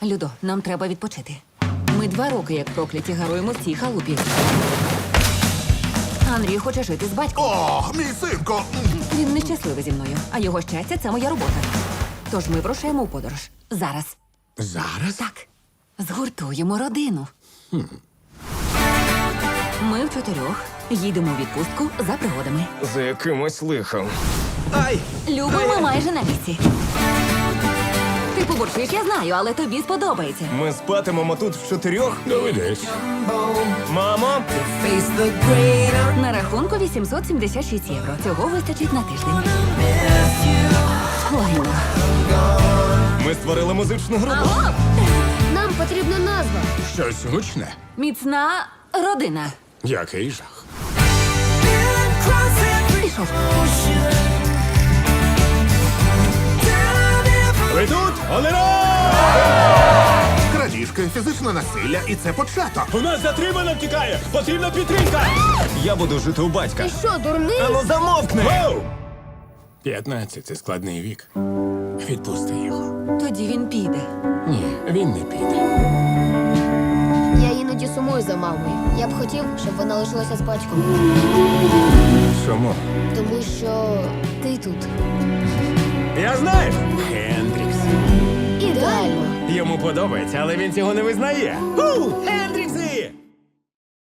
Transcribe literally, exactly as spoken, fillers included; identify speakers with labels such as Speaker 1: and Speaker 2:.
Speaker 1: Людо, нам треба відпочити. Ми два роки, як прокляті, гаруємо в цій халупі. Андрій хоче жити з батьком.
Speaker 2: О, мій синко!
Speaker 1: Він нещасливий зі мною, а його щастя – це моя робота. Тож ми вирушаємо у подорож. Зараз.
Speaker 2: Зараз?
Speaker 1: Так. Згуртуємо родину.
Speaker 2: Хм.
Speaker 1: Ми в чотирьох їдемо у відпустку за пригодами.
Speaker 3: За якимось лихом.
Speaker 4: Ай!
Speaker 1: Любо, ми майже на місці. Ти побурчиш, я знаю, але тобі сподобається.
Speaker 3: Ми спатимемо тут в чотирьох.
Speaker 2: Доведись.
Speaker 3: Мамо!
Speaker 1: На рахунку вісімсот сімдесят шість євро. Цього вистачить на тиждень. Ой, ну.
Speaker 3: Ми створили музичну групу.
Speaker 5: Нам потрібна назва.
Speaker 2: Щось гучне.
Speaker 1: Міцна родина.
Speaker 2: Який жах.
Speaker 1: Пішов.
Speaker 3: Ви тут? Олера!
Speaker 2: Крадіжки, фізичне насилля, і це початок.
Speaker 3: У нас затримано втікає! Потрібна підтримка! Я буду жити у батька.
Speaker 5: Ти що, дурний?
Speaker 3: Ану замовкни!
Speaker 2: П'ятнадцять – це складний вік. Відпусти його.
Speaker 1: Тоді він піде.
Speaker 2: Ні, він не піде.
Speaker 5: Я іноді сумую за мамою. Я б хотів, щоб вона лишилася з батьком.
Speaker 2: Чому?
Speaker 5: Тому що ти тут.
Speaker 3: Я знаю!
Speaker 2: Хендрікс.
Speaker 5: Ідеально.
Speaker 3: Йому подобається, але він цього не визнає.